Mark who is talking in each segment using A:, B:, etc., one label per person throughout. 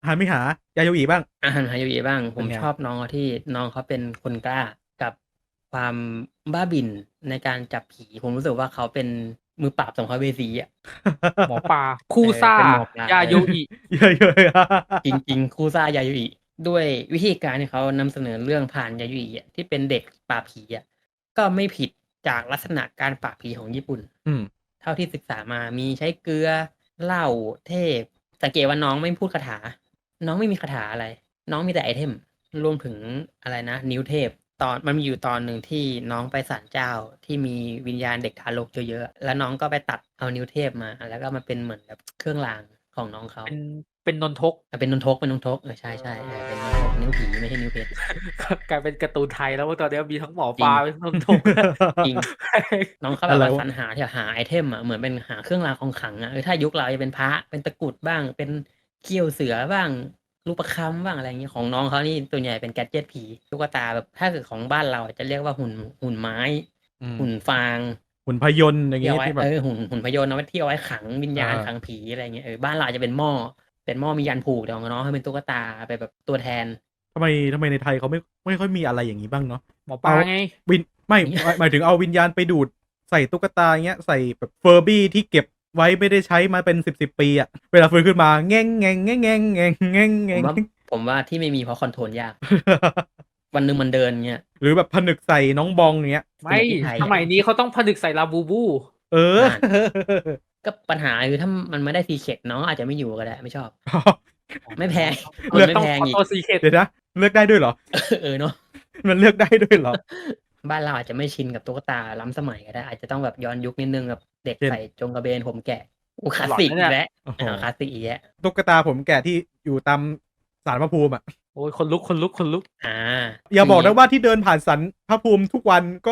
A: หันไม่หายาโยอิบ้าง
B: อาหารฮายาบิบ้างผ
A: เป็นไง
B: มชอบน้องเขาที่น้องเขาเป็นคนกล้ากับความบ้าบิ่นในการจับผีผมรู้สึกว่าเขาเป็นมือปราบสัมภเวสีอ่ะ
C: หมอปลาคู่ซ่า
B: เป็นหมอปลาย
C: าโยอิ
A: เยอะ
B: จริงๆคูซ่ายายุอิด้วยวิธีการที่เขานำเสนอเรื่องผ่านยายุอิอะที่เป็นเด็กปราบผีอ่ะก็ไม่ผิดจากลักษณะการปราบผีของญี่ปุ่น
A: อืม
B: เท่าที่ศึกษามามีใช้เกลือเหล้าเทพสังเกตว่าน้องไม่พูดคาถา น้องไม่มีคาถาอะไร น้องมีแต่ไอเทมรวมถึงอะไรนะ นิ้วเทพตอนมันมีอยู่ตอนหนึ่งที่น้องไปศาลเจ้าที่มีวิญญาณเด็กทารกเยอะๆแล้วน้องก็ไปตัดเอานิ้วเทพมาแล้วก็มาเป็นเหมือนแบบเครื่องรางของน้องเขา
C: เป็นนนทก
B: เป็นนนทกใช่ใช่เป็นนนทกนิ้วผีไม่ใช่นิ้วเพชร
C: กลายเป็นการ์ตูนไทยแล้วว่าตอนนี้มีทั้งหมอ
B: จริ
C: ป
B: ง
C: ลาเป็นนนทก
B: จริง น้องเขาแบบว่าสรรหาที่หาไอเทมอ่ะเหมือนเป็นหาเครื่องรางของขลังอ่ะถ้ายุคเราจะเป็นพระเป็นตะกรุดบ้างเป็นเขี้ยวเสือบ้างลูกประคำบ้างอะไรอย่างเงี้ยของน้องเขานี่ตัวใหญ่เป็นแกดเจ็ตผีตุ๊กตาแบบถ้าเกิดของบ้านเราจะเรียกว่าหุ่นไม้ หุ่นฟาง
A: หุ่นพยนต์อย่าง
B: ที่
A: เงี้
B: เอา
A: ย
B: ไว้
A: ที่แบบ
B: หุ่นพยนต์เอาไว้ที่เอาไว้ขังวิญญาณขังผีอะไรเงี้ยบ้านเราจะเป็นหม้อมียันผูกแต่ของน้องเขาเป็นตุ๊กตาไปแบบตัวแทน
A: ทำไมในไทยเขาไม่ค่อยมีอะไรอย่างนี้บ้างเนาะ
C: หมอปลาไง
A: หมายถึงเอาวิญญาณไปดูดใส่ตุ๊กตาเงี้ยใส่แบบเฟอร์บี้ที่เก็บไว้ไม่ได้ใช้มาเป็น10ปีอะเวลาฟื้นขึ้นมาแง่งแง่งแง่งแง่งแง่งแง่งแง่ง
B: ผมว่าที่ไม่มีเพราะคอนโทรลยาก วันหนึ่งมันเดินเงี้ย
A: หรือแบบผนึกใส่น้องบองเงี้ย
C: ไม่
B: ที่ไทย
C: สมัยนี้เขาต้องผนึกใส่ลาบูบู
A: เออ
B: ก็ปัญหาคือถ้ามันไม่ได้ซีเค็ดน้องอาจจะไม่อยู่ก็ได้ไม่ชอบ ไม่แพง
A: เลือก
B: ไม่
C: ต้อง
B: แพง
C: ออ
B: อีก
C: โต้ซีเคท
A: เดี๋ยวนะเลือกได้ด้วยเหรอ
B: เนาะ
A: มันเลือกได้ด้วยเหรอ
B: บ้านเราอาจจะไม่ชินกับตุ๊กตาล้ำสมัยก็ได้อาจจะต้องแบบย้อนยุคนิดนึงแบบเด็ก
A: เช่น
B: ใส่จงกระเบนผมแกะคลาสสิกอีกแล้ว
A: โอ้โห
B: คลาสสิกอีกแล้ว
A: ตุ๊กตาผมแก่ที่อยู่ตามศาลพระภูมิอ่ะ
C: โอ้ยคนลุก
A: อย่าบอกนะว่าที่เดินผ่านศาลพระภูมิทุกวันก็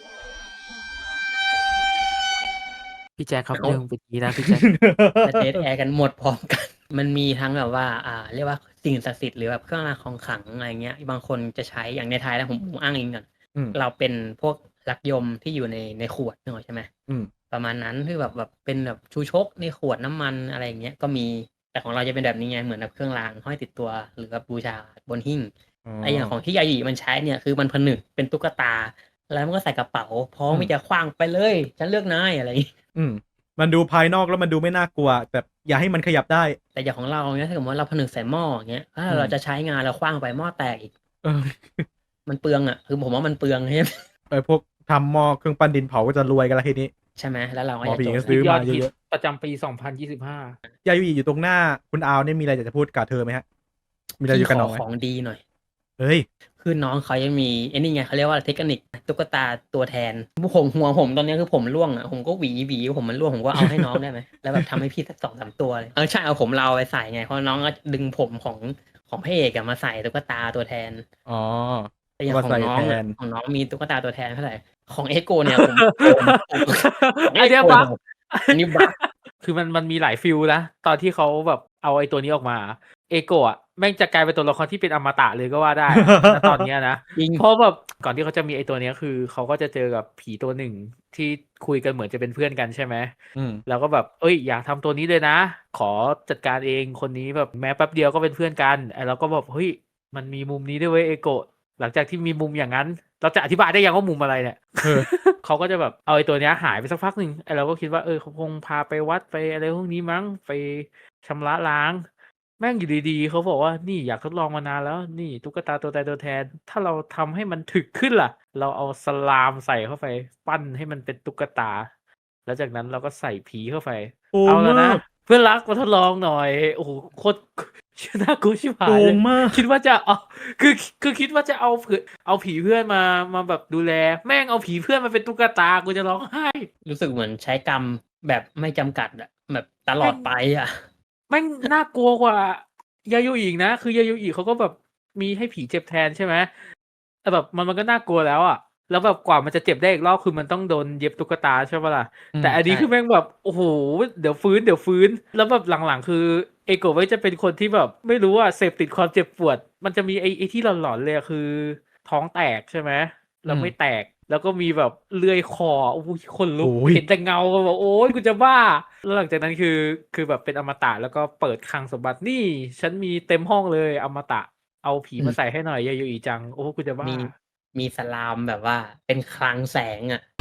C: พี่แจ็คครับเรื่องเป็นนี้นะพี่แจ็ค
B: จะเทสแอร์กันหมดพร้อมกัน มันมีทั้งแบบว่าเรียกว่าสิ่งศักดิ์สิทธิ์หรือแบบเครื่องรางของขลังอะไรเงี้ยบางคนจะใช้อย่างในไทยแล้วผมอ้างอิงก่อน
A: อืม
B: เราเป็นพวกลักยมที่อยู่ในขวดนึกออกใช่ไหม
A: อืม
B: ประมาณนั้นที่แบบเป็นแบบชูชกในขวดน้ำมันอะไรอย่างเงี้ยก็มีแต่ของเราจะเป็นแบบนี้ไงเหมือนแบบเครื่องรางห้อยติดตัวหรือแบบบูชาบนหิ้งไออย่างของที่ยายีมันใช้เนี่ยคือมันผนึกเป็นตุ๊กตาแล้วมันก็ใส่กระเป๋าพร้อมที่จะคว้างไปเลยฉันเลือกนายอะไรอย่างงี้
A: อืมมันดูภายนอกแล้วมันดูไม่น่ากลัวแบบอย่าให้มันขยับได้
B: แต่อย่างของเราเนี่ยถ้าสมมติว่าเราผนึกใส่หม้ออย่างเงี้ยถ้า
A: อืม
B: เราจะใช้งานเราคว้างไปหม้อแตกอีก
A: เออ
B: มันเปลืองอ่ะคือผมว่ามันเปลืองใช่ไหม
A: พวกทำหม้อเครื่องปั้นดินเผาก็จะรวยกันละทีนี้
B: ใช่ไหมแล้วเราก็
A: หมอ
B: จะ
A: ผี
B: จบ
A: ก็ซื้อ
C: ยอ
A: มา
C: ด
A: เย
C: ฮิต
A: อะ
C: ประจำปี 2025
A: ๆยายุอิอยู่ตรงหน้าคุณอาวเนี่ยมีอะไรอยากจะพูดกับเธอไหมฮะ มีอะไรอยู่กับน้องไหม
B: ของดีหน่อย
A: เฮ้ย
B: คือน้องเขายังมีไอ้นี่ไงเขาเรียกว่าเทคนิคตุ๊กตาตัวแทนหัวผมตอนนี้คือผมร่วงอ่ะผมก็หวีผมมันร่วงผมก็เอาให้น้องได้ไหม แล้วแบบทำให้พี่สัก2-3ตัวเลยใช่เอาผมเราไปใส่ไงเพราะน้องก็ดึงผมของพระเอกมาใส่ตุ๊กตาตัวแทน
A: อ๋อ
B: แต่อย่าง
A: มา
B: ของ
A: ใส่
B: น้อง
A: แทน
B: ของน้องมีตุ๊กตาตัวแทนเท่าไหร่ของเอโกเนี่ยผม
C: อันเนี้ยบั๊ก
B: อันนี้บั๊ก
C: คือมันมีหลายฟิลนะตอนที่เขาแบบเอาไอ้ตัวนี้ออกมาเอโกะแม่งจะกลายเป็นตัวละครที่เป็นอมตะเลยก็ว่าได้ณตอนเนี้ยนะ
B: จริง
C: เพราะแบบก่อนที่เขาจะมีไอ้ตัวเนี้ยคือเขาก็จะเจอกับผีตัวหนึ่งที่คุยกันเหมือนจะเป็นเพื่อนกันใช่ไหม
A: อืม
C: แล้วก็แบบเอ้ยอยากทำตัวนี้เลยนะ ขอจัดการเองคนนี้แบบแม้แป๊บเดียวก็เป็นเพื่อนกันไอ้เราก็แบบเฮ้ยมันมีมุมนี้ด้วยเว้ยเอโกะหลังจากที่มีมุมอย่างนั้น เราจะอธิบายได้ยังว่ามุมอะไรเนี่ย
A: เออ
C: เขาก็จะแบบเอาไอ้ตัวเนี้ยหายไปสักพักหนึ่งไอ้เราก็คิดว่าเขาคงพาไปวัดไปอะไรพวกนี้มั้งไปชำระล้าง แม่งอยู่ดีๆเขาบอกว่านี่อยากทดลองมานานแล้ว นี่ตุ๊กตาตัวตายตัวแทน ถ้าเราทำให้มันถึกขึ้นล่ะ เราเอาสลามใส่เข้าไป ปั้นให้มันเป็นตุ๊กตา แล้วจากนั้นเราก็ใส่ผีเข้าไป
A: โกง
C: เอาแล้วนะ
A: มาก
C: เพื่อนรักมาทดลองหน่อย โอ้โหโคตร น่ากลัวชิบหา
A: โก
C: ยเล
A: ง
C: ย
A: มาก
C: คิดว่าจะเอาคือคิดว่าจะเอาผีเพื่อนมาแบบดูแล แม่งเอาผีเพื่อนมาเป็นตุ๊กตากูจะร้องไห้
B: รู้สึกเหมือนใช้กรรมแบบไม่จำกัดอะแบบตลอดไปอ่ะ
C: แม่งน่ากลัวกว่ายาโยอินะคือยาโยอิเขาก็แบบมีให้ผีเจ็บแทนใช่ไหมแต่แบบมันก็น่ากลัวแล้วอ่ะแล้วแบบกว่ามันจะเจ็บได้อีกรอบคือมันต้องโดนเย็บตุ๊กตาใช่ปะล่ะ
A: อืม
C: แต่อันนี้
B: ใช่
C: คือแม่งแบบโอ้โหเดี๋ยวฟื้นแล้วแบบหลังๆคือเอโกะไว้จะเป็นคนที่แบบไม่รู้ว่าเสพติดความเจ็บปวด มันจะมีไอ้ที่หลอนๆเลยอะคือท้องแตกใช่ไหมแล้วไม่แตกแล้วก็มีแบบเลื่อยคอโอ้ยคนลุก
A: โอ้ย
C: เห็นแต่เงาก็บอกโอ้ยกูจะบ้า แล้วหลังจากนั้นคือแบบเป็นอมตะแล้วก็เปิดคลังสมบัตินี่ ฉันมีเต็มห้องเลยอมตะ เอาผี
B: อื
C: มาม ใส่ให้หน่อยยาโยอีจัง โอ้กูจะบ้า
B: มีสลามแบบว่าเป็นคลังแสงอ่ะ